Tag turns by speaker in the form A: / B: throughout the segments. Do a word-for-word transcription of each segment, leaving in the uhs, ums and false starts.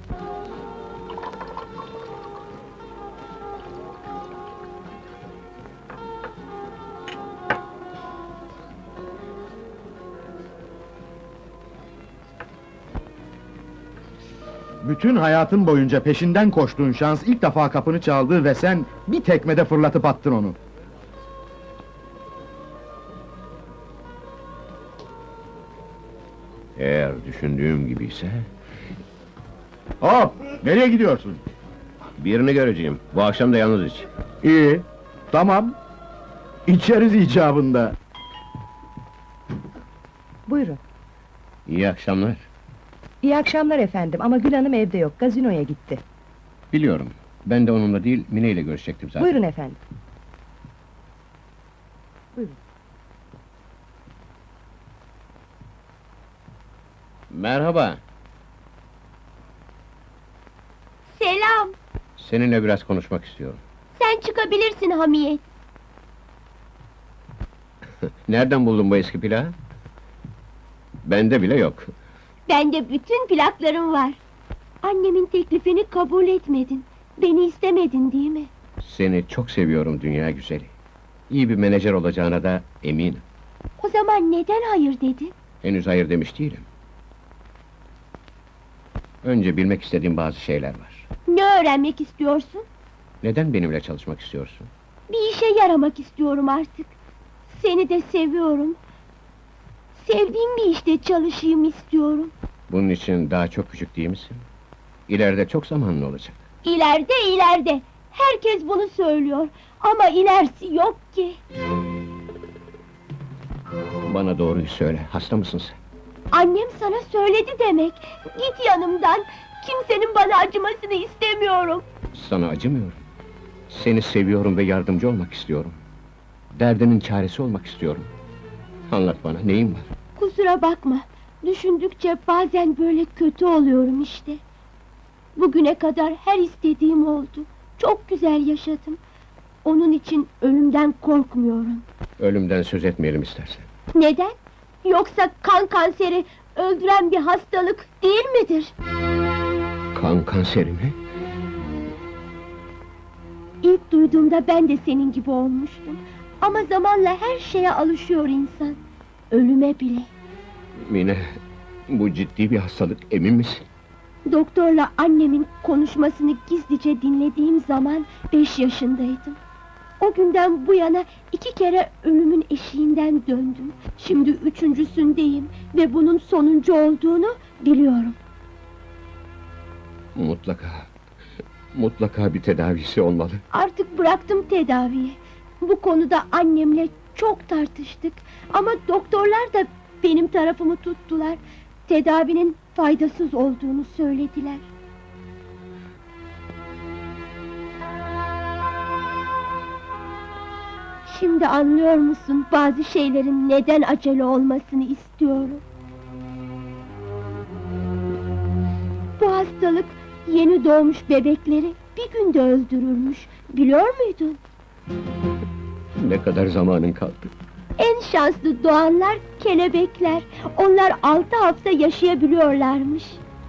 A: Bütün hayatın boyunca peşinden koştuğun şans ilk defa kapını çaldı ve sen bir tekmede fırlatıp attın onu.
B: Eğer düşündüğüm gibiyse...
A: Hop! Nereye gidiyorsun?
B: Birini göreceğim, bu akşam da yalnız iç.
A: İyi, tamam. İçeriz icabında.
C: Buyurun.
B: İyi akşamlar.
C: İyi akşamlar efendim ama Gül Hanım evde yok, gazinoya gitti.
B: Biliyorum, ben de onunla değil, Mine ile görüşecektim zaten.
C: Buyurun efendim. Buyurun.
B: Merhaba,
D: Selam!
B: seninle biraz konuşmak istiyorum.
D: Sen çıkabilirsin Hamiyet.
B: Nereden buldun bu eski plağı? Bende bile yok.
D: Bende bütün plaklarım var. Annemin teklifini kabul etmedin. Beni istemedin değil mi?
B: Seni çok seviyorum dünya güzeli. İyi bir menajer olacağına da eminim.
D: O zaman neden hayır dedin?
B: Henüz hayır demiş değilim. Önce bilmek istediğim bazı şeyler var.
D: Ne öğrenmek istiyorsun?
B: Neden benimle çalışmak istiyorsun?
D: Bir işe yaramak istiyorum artık. Seni de seviyorum. Sevdiğim bir işte çalışayım istiyorum.
B: Bunun için daha çok küçük değil misin? İleride çok zamanın olacak.
D: İleride ileride. Herkes bunu söylüyor. Ama ilerisi yok ki.
B: Bana doğruyu söyle, hasta mısın sen?
D: Annem sana söyledi demek. Git yanımdan. Kimsenin bana acımasını istemiyorum.
B: Sana acımıyorum. Seni seviyorum ve yardımcı olmak istiyorum. Derdinin çaresi olmak istiyorum. Anlat bana, neyin var?
D: Kusura bakma. Düşündükçe bazen böyle kötü oluyorum işte. Bugüne kadar her istediğim oldu. Çok güzel yaşadım. Onun için ölümden korkmuyorum.
B: Ölümden söz etmeyelim istersen.
D: Neden? Yoksa kan kanseri öldüren bir hastalık değil midir?
B: Kan kanseri mi?
D: İlk duyduğumda ben de senin gibi olmuştum. Ama zamanla her şeye alışıyor insan. Ölüme bile.
B: Mine, bu ciddi bir hastalık, emin misin?
D: Doktorla annemin konuşmasını gizlice dinlediğim zaman beş yaşındaydım. O günden bu yana iki kere ölümün eşiğinden döndüm. Şimdi üçüncüsündeyim ve bunun sonuncu olduğunu biliyorum.
B: Mutlaka, mutlaka bir tedavisi olmalı.
D: Artık bıraktım tedaviyi. Bu konuda annemle çok tartıştık. Ama doktorlar da benim tarafımı tuttular. Tedavinin faydasız olduğunu söylediler. Şimdi anlıyor musun bazı şeylerin neden acele olmasını istiyorum? Bu hastalık yeni doğmuş bebekleri bir günde öldürürmüş. Biliyor muydun?
B: Ne kadar zamanın kaldı?
D: En şanslı doğanlar kelebekler. Onlar altı hafta yaşayabiliyorlarmış.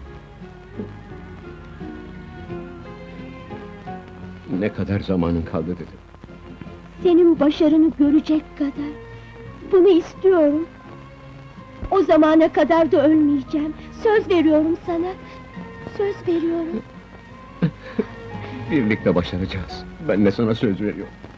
B: Ne kadar zamanın kaldı dedim.
D: Senin başarını görecek kadar. Bunu istiyorum. O zamana kadar da ölmeyeceğim. Söz veriyorum sana. Söz veriyorum.
B: Birlikte başaracağız. Ben de sana söz veriyorum.